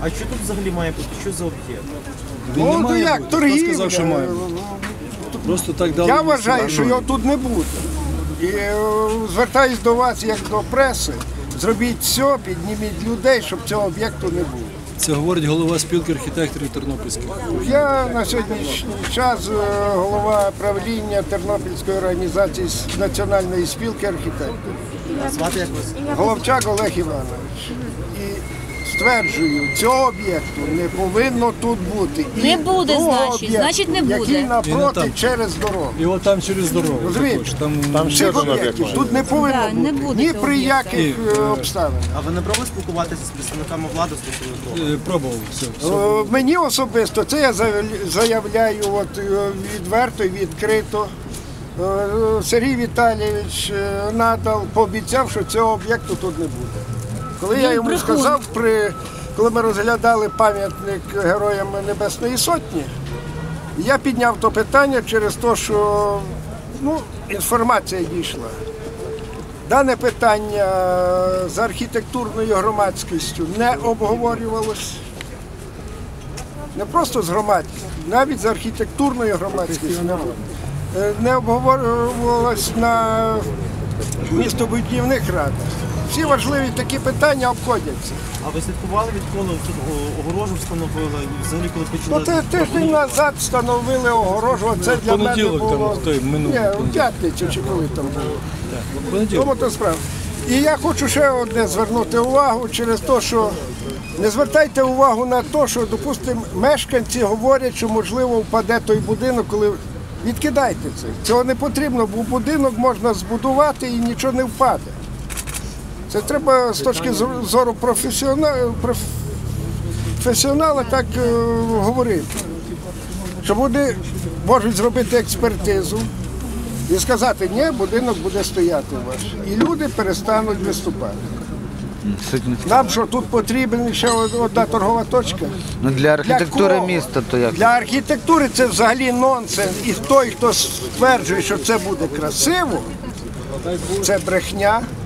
А що тут взагалі має бути? Що за об'єкт? Ну, то як, Хто сказав, що має торгівля. бути? Просто так дали. Я вважаю, що його тут не буде. І звертаюсь до вас, як до преси, зробіть все, підніміть людей, щоб цього об'єкту не було. Це говорить голова спілки архітекторів Тернопільських. Я на сьогоднішній час голова правління Тернопільської організації Національної спілки архітекторів. Звати як вас? Головчак Олег Іванович. І стверджую, цього об'єкту не повинно тут бути. І Не буде, другого значить. об'єкту, Значить, не буде. який І не напроти там. через дорогу. І от там через дорогу. Розумієте? також. Там Цих об'єктів тут не повинно Да, не бути. буде Ні цього при об'єкту. яких обставинах. А ви не пробували спілкуватися з представниками влади стосовно того? пробував все. Мені особисто, це я заявляю відверто і відкрито. Сергій Віталійович надал, пообіцяв, що цього об'єкту тут не буде. Коли я йому сказав, коли ми розглядали пам'ятник Героям Небесної Сотні, я підняв то питання через те, що інформація дійшла. Дане питання з архітектурною громадськістю не обговорювалось. Не просто з громадськістю, навіть з архітектурною громадськістю не обговорювалось на містобудівних радах. Всі важливі такі питання обходяться. А ви слідкували, відколи тут огорожу встановили? І взагалі, коли почали... Це тиждень назад встановили огорожу, а це для мене понеділок було... там, той минулий Ні, у понеділок. п'ятницю чи коли там було. Понеділок. Тому то справа. І я хочу ще одне звернути увагу через те, що не звертайте увагу на те, що, допустимо, мешканці говорять, що можливо впаде той будинок, коли відкидайте це. Цього не потрібно, бо будинок можна збудувати і нічого не впаде. Це треба з точки зору професіонала так говорити. Що вони можуть зробити експертизу і сказати, ні, будинок буде стояти ваш. І люди перестануть виступати. Нам що, тут потрібна ще одна торгова точка? Ну для архітектури кого? міста то як? Для архітектури це взагалі нонсенс. І той, хто стверджує, що це буде красиво, це брехня.